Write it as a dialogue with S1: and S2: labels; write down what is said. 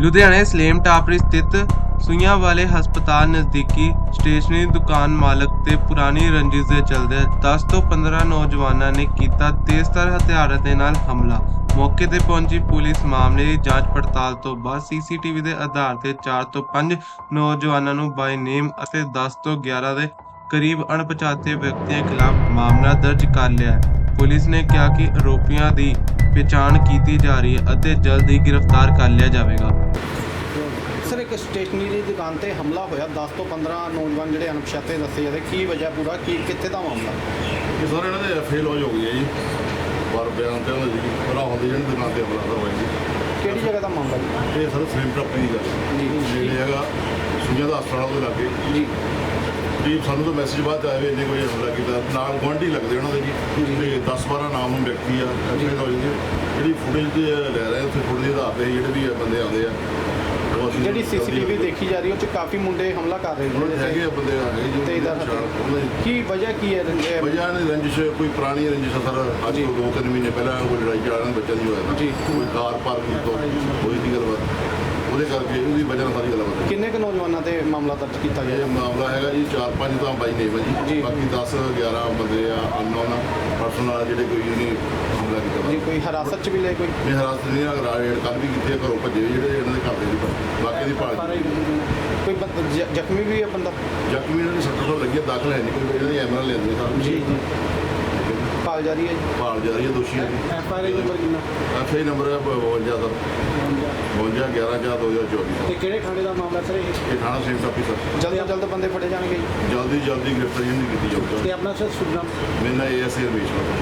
S1: ਲੁਧਿਆਣੇ ਸਲੇਮ ਟਾਪਰੀ ਸਥਿਤ ਸੂਈਆਂ ਵਾਲੇ ਹਸਪਤਾਲ ਨਜ਼ਦੀਕੀ ਸਟੇਸ਼ਨਰੀ ਦੁਕਾਨ ਮਾਲਕ ਤੇ ਪੁਰਾਣੀ ਰੰਜਿਸ਼ ਦੇ ਚਲਦੇ 10 ਤੋਂ 15 ਨੌਜਵਾਨਾਂ ਨੇ ਕੀਤਾ ਤੇਜ਼ਧਾਰ ਹਥਿਆਰਾਂ ਦੇ ਨਾਲ ਹਮਲਾ। ਮੌਕੇ ਤੇ ਪਹੁੰਚੀ ਪੁਲਿਸ ਮਾਮਲੇ ਦੀ ਜਾਂਚ ਪੜਤਾਲ ਤੋਂ ਬਾਅਦ ਸੀਸੀਟੀਵੀ ਦੇ ਆਧਾਰ ਤੇ 4 ਤੋਂ 5 ਨੌਜਵਾਨਾਂ ਨੂੰ ਬਾਈ ਨੇਮ ਅਤੇ 10 ਤੋਂ 11 ਦੇ ਕਰੀਬ ਅਣਪਛਾਤੇ ਵਿਅਕਤੀਆਂ ਖਿਲਾਫ ਮਾਮਲਾ ਦਰਜ ਕਰ ਲਿਆ ਹੈ। ਪੁਲਿਸ ਨੇ ਕਿਹਾ ਕਿ ਆਰੋਪੀਆਂ ਦੀ ਪਛਾਣ ਕੀਤੀ ਜਾ ਰਹੀ ਹੈ ਅਤੇ ਜਲਦ ਹੀ ਗ੍ਰਿਫਤਾਰ ਕਰ ਲਿਆ ਜਾਵੇਗਾ।
S2: ਸਰ ਇੱਕ ਸਟੇਸ਼ਨਰੀ ਦੀ ਦੁਕਾਨ ਤੇ ਹਮਲਾ ਹੋਇਆ 10 ਤੋਂ 15 ਨੌਜਵਾਨ ਜਿਹੜੇ ਅਣਪਛਾਤੇ ਦੱਸੇ ਜਾਂਦੇ ਕੀ ਵਜ੍ਹਾ ਪੂਰਾ ਕੀ ਕਿੱਥੇ ਦਾ ਮਾਮਲਾ?
S3: ਇਹ ਸਾਰੇ ਇਹਨਾਂ ਦੇ ਐਫਏ ਲੌਜ ਹੋ ਗਈ ਹੈ ਜੀ। ਪਰ ਬਿਆਨ ਤੇ ਉਹਨਾਂ ਦੀ ਭਰਾ ਹੁੰਦੀ ਜਿਹੜੀ ਦੁਕਾਨ ਤੇ ਹਮਲਾ ਹੋਇਆ ਜੀ।
S2: ਕਿਹੜੀ ਜਗ੍ਹਾ ਦਾ ਮਾਮਲਾ ਜੀ?
S3: ਇਹ ਸਰ ਸਲੇਮ ਟਾਪਰੀ ਦੀ ਗੱਲ
S2: ਜੀ
S3: ਜਿਹੜੇ ਹੈਗਾ ਸੂਈਆਂ ਦਾ ਹਸਪਤਾਲ ਦੇ ਲਾਗੇ
S2: ਜੀ
S3: ਜੀ। ਸਾਨੂੰ ਤਾਂ ਮੈਸੇਜ ਬਾਅਦ ਆਇਆ ਵੀ ਇੰਨੇ ਕੋਈ ਹਮਲਾ ਕੀਤਾ, ਨਾਲ ਗੁਆਂਢੀ ਲੱਗਦੇ ਉਹਨਾਂ ਦੇ ਜੀ। ਤੇ 10-12 ਨਾਮ ਵਿਅਕਤੀ ਆ ਐਫਏ ਲੌਜ ਦੇ ਜਿਹੜੀ ਫੁਟੇਜ ਲੈ ਰਹੇ ਉੱਥੇ ਫੁਟੇਜ ਦੇ ਆਧਾਰ ਤੇ ਜਿਹੜੇ ਵੀ ਬੰਦੇ ਆਉਂਦੇ ਆ ਉਹ ਅਸੀਂ
S2: ਜਿਹੜੀ ਸੀਸੀਟੀਵੀ ਦੇਖੀ ਜਾ ਰਹੀ ਉਹ ਚ ਕਾਫੀ ਮੁੰਡੇ ਹਮਲਾ ਕਰ ਰਹੇ
S3: ਉਹਨਾਂ ਦੇ ਹੈਗੇ ਆ ਬੰਦੇ ਆ ਗਏ
S2: ਤੇ ਇਹਦਾ
S3: ਉਹਨਾਂ ਦੀ
S2: ਕੀ ਵਜ੍ਹਾ ਕੀ ਹੈ
S3: ਵਜ੍ਹਾ ਨੇ ਰੰਜਿਸ਼ ਕੋਈ ਪੁਰਾਣੀ ਰੰਜਿਸ਼ ਆ ਸਰ। ਅੱਜ ਤੋਂ 2-3 ਮਹੀਨੇ ਪਹਿਲਾਂ ਕੋਈ ਲੜਾਈ ਝਗੜਾ ਬੱਚਾ ਦੀ ਹੋਇਆ
S2: ਜੀ।
S3: ਕੋਈ ਕਾਰ ਪਾਰਕਿੰਗ ਤੋਂ ਹੋਈ ਦੀ ਗੱਲਬਾਤ, ਉਹਦੇ ਕਰਕੇ ਉਹਦੀ ਵਜ੍ਹਾ ਨਾਲ ਸਾਰੀ ਗੱਲਬਾਤ।
S2: ਕਿੰਨੇ ਕੁ ਨੌਜਵਾਨਾਂ ਤੇ ਮਾਮਲਾ ਦਰਜ ਕੀਤਾ ਗਿਆ?
S3: ਇਹ ਮਾਮਲਾ ਹੈਗਾ ਜੀ 4-5 ਤਾਂ ਬਾਈ ਨੇ
S2: ਜੀ।
S3: ਜੀ, ਬਾਕੀ 10-11 ਬੰਦੇ ਆ ਅਨਨੋਨ ਪਰਸਨ ਆ ਜਿਹੜੇ ਕੋਈ ਨਹੀਂ ਹਮਲਾ ਕੀਤਾ
S2: ਜੀ ਕੋਈ ਹਿਰਾਸਤ ਚ ਵੀ ਲੈ ਕੋਈ?
S3: ਇਹ ਹਰਾਸਤ ਨਹੀਂ ਅਗਰ ਰੇਡ ਕੱਲ੍ਹ ਵੀ ਕੀਤੀ ਘਰੋਂ ਭੱਜੇ ਜਿਹੜੇ ਇਹਨਾਂ ਦੇ ਘਰ ਦੇ ਨਹੀਂ, ਬਾਕੀ ਦੀ ਭਾਲ
S2: ਕੋਈ ਜ਼ਖਮੀ ਵੀ ਹੈ ਬੰਦਾ?
S3: ਜ਼ਖਮੀ ਇਹਨਾਂ ਦੀ 70 ਤੋਂ ਲੱਗੀ ਦਾਖਲ ਹੈ ਨਹੀਂ ਕੋਈ, ਇਹਨਾਂ ਦੀ ਐਮਰਲ ਲੈਂਦੇ ਸਰ
S2: ਜੀ ਜੀ ਭਾਲ ਜਾਰੀ ਹੈ ਜੀ।
S3: ਭਾਲ ਜਾ ਰਹੀ ਹੈ ਦੋਸ਼ੀਆਂ ਦੀ।
S2: ਐਫਆਈਆਰ ਨੰਬਰ ਕਿੰਨਾ?
S3: ਐਫਆਈ ਨੰਬਰ ਹੈ 52 ਸਰ 52/11/2024।
S2: ਤੇ ਕਿਹੜੇ ਥਾਣੇ ਦਾ ਮਾਮਲਾ ਸਰ ਇਹ?
S3: ਇਹ ਥਾਣਾ ਸੇਮ ਟਾਪੀ ਸਰ।
S2: ਜਲਦ ਤੋਂ ਜਲਦ ਬੰਦੇ ਫੜੇ ਜਾਣਗੇ ਜੀ।
S3: ਜਲਦੀ ਗ੍ਰਿਫਤਾਰੀ ਨਹੀਂ ਕੀਤੀ ਜਾਊਗੀ।
S2: ਤੇ ਆਪਣਾ ਸਰ ਸੁਣਨਾ
S3: ਮੇਰਾ ਨਾਮ ASI ਰਮੇਸ਼ ਵਰਮਾ।